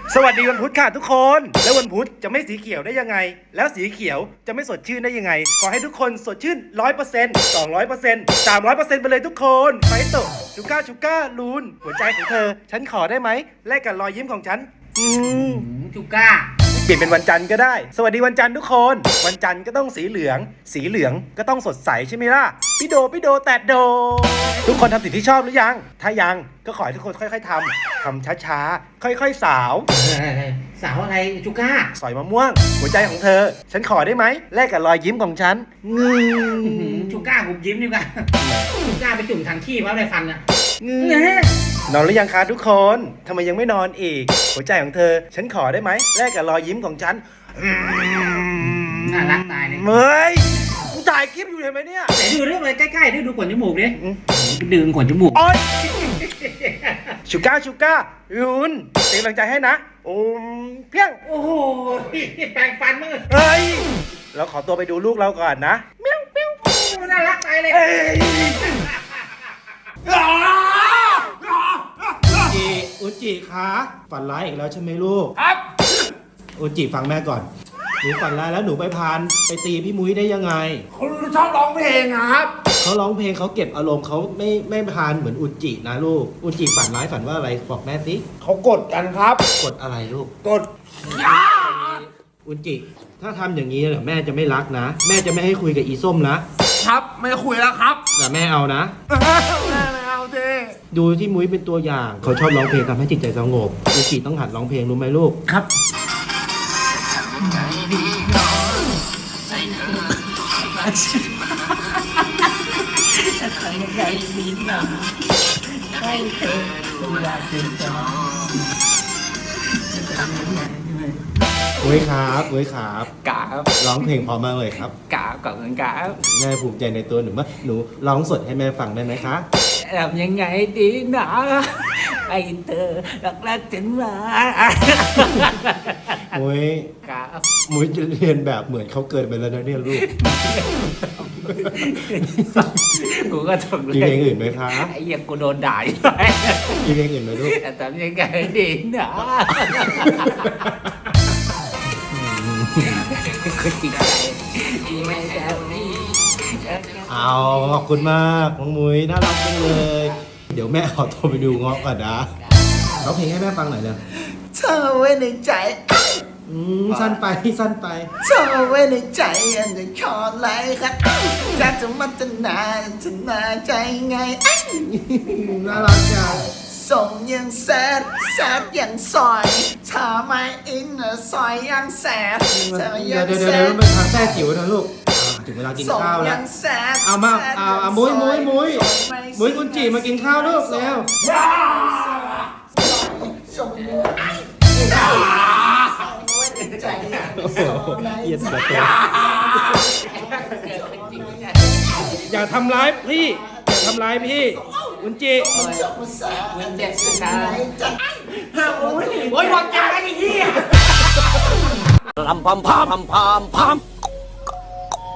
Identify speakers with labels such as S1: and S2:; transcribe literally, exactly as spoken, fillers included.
S1: สวัสดีวันพุธค่ะทุกคนแล้ววันพุธจะไม่สีเขียวได้ยังไงแล้วสีเขียวจะไม่สดชื่นได้ยังไงขอให้ทุกคนสดชื่น ร้อยเปอร์เซ็นต์ สองร้อยเปอร์เซ็นต์ สามร้อยเปอร์เซ็นต์ ไปเลยทุกคนไฟโตะชูก้าชูก้าลูนหัวใจของเธอฉันขอได้ไหมแลกกับรอยยิ้มของฉันอืม
S2: ชูก้า
S1: เปลี่ยนเป็นวันจันทร์ก็ได้สวัสดีวันจันทร์ทุกคนวันจันทร์ก็ต้องสีเหลืองสีเหลืองก็ต้องสดใสใช่ไหมล่ะพี่โดพี่โดแตดโดทุกคนทำสิ่งที่ชอบหรือยังถ้ายังก็ขอให้ทุกคนค่อยๆทำทำช้าๆค่อยๆสาว
S2: สาวอะไรชูก้า
S1: สอยมะม่วงหัวใจของเธอฉันขอได้ไหมแลกกับรอยยิ้มของฉันงือ
S2: ชูก้าหุบยิ้มดีกว่าชูก้าไปจุ่มทางขี้เพราะอะไรฟันอะ
S1: นอนหรือยังคะทุกคนทำไมยังไม่นอนอีกหัวใจของเธอฉันขอได้ไหมแลกกับรอยยิ้มของฉัน
S2: น่ารักตายเลย
S1: เฮ้ยกูถ่ายคลิปอยู่เห็นไหมเนี่ย
S2: ไหนดูเรื่องอะไรใกล้ๆด้วยดูขนจมูกดิดึงขนจมูก
S1: โอ๊ยชูก้าชูก้ายุนเป็นกำลังใจให้นะโอ้เพียง
S2: โอ้โหแปรงฟันมั้ง
S1: เฮ้ยเราขอตัวไปดูลูกเราก่อนนะ
S2: เมี้ยวเมี้ยวน่ารักตายเลย
S1: จิอุจิคะฝันร้ายอีกแล้วใช่ไหมลูก
S3: ครับ
S1: อุจิฟังแม่ก่อนหนูฝันร้ายแล้วหนูไปพานไปตีพี่มุ้ยได้ยังไง
S3: เขาชอบร้องเพลงครับ
S1: เขาร้องเพลงเขาเก็บอารมณ์เขาไม่ไม่พานเหมือนอุจินะลูกอุจิฝันร้ายฝันว่าอะไรบอกแม่สิ
S3: เขากดกันครับ
S1: กดอะไรลูก
S3: กด
S1: อุจิถ้าทำอย่างนี้เดี๋ยวแม่จะไม่รักนะแม่จะไม่ให้คุยกับอีส้มนะครับ
S3: ไม่คุยแล้วครับ
S1: แต่แม่เอานะ
S3: แม่ไม่เอาเจ
S1: ดูที่มุ้ยเป็นตัวอย่างเขาชอบร้องเพลงทำให้จิตใจสงบอุจิต้องหัดร้องเพลงรู้ไหมลูก
S3: ครับ
S1: มุ้ยครับมุ้ยครับ
S3: กาบ
S1: ร้องเพลงพอมากเลยครับ
S3: กาบกับเงินกาบ
S1: แม่ภูมิใจในตัวหนูมากหนูร้องสดให้แม่ฟังได้ไหมคะ
S3: ทำยังไงดีนะไอ้เธอรักรักถึงมา
S1: มุ้ย
S3: กาบ
S1: มุ้ยจะเรียนแบบเหมือนเขาเกิดไปแล้วนะเนี่ยลูก
S3: กูก็ถูกเลย
S1: มีเพลงอื่นไหมคะ
S3: ไอ้ยังกูโดนด่าอยู่
S1: มีเพลงอื่นไหมลูก
S3: ทำยังไงดีนะคือจิตใจไม่ได้
S1: เอาขอบคุณมากน้องมุ้ยน่ารักจังเลยเดี๋ยวแม่ขอโทรไปดูง้อก่อนนะร้องเพลงให้แม่ฟังหน่อยเลย
S3: เธอไว้ในใจ
S1: อืมสั้นไปสั้นไป
S3: เธอไว้ในใจอันจะขอไล่ครับจะจะมันจะนานจะนาใจไง
S1: น่ารักจัง
S3: ส่งยังแซดแซดยังซอยเธอไม่อินซอยยังแซดเธอยัง
S1: แซดเดี๋ยวเดี๋ยวมันทางแท้จิ๋วนะลูกถึงเวลากินข้าวแล้วเอามาเอาเอามุ้ยมุ้ยมุ้ยมุ้ยคุณจีมากินข้าวลูกเร็วอย่าทำร้ายพี่อย่าทำร้ายพี่คุณจี
S3: มันเจ็บนะครับโอ้ยโอ้ยหมดใจไอ้เหี้ย
S1: ลำพัมพามพามพาม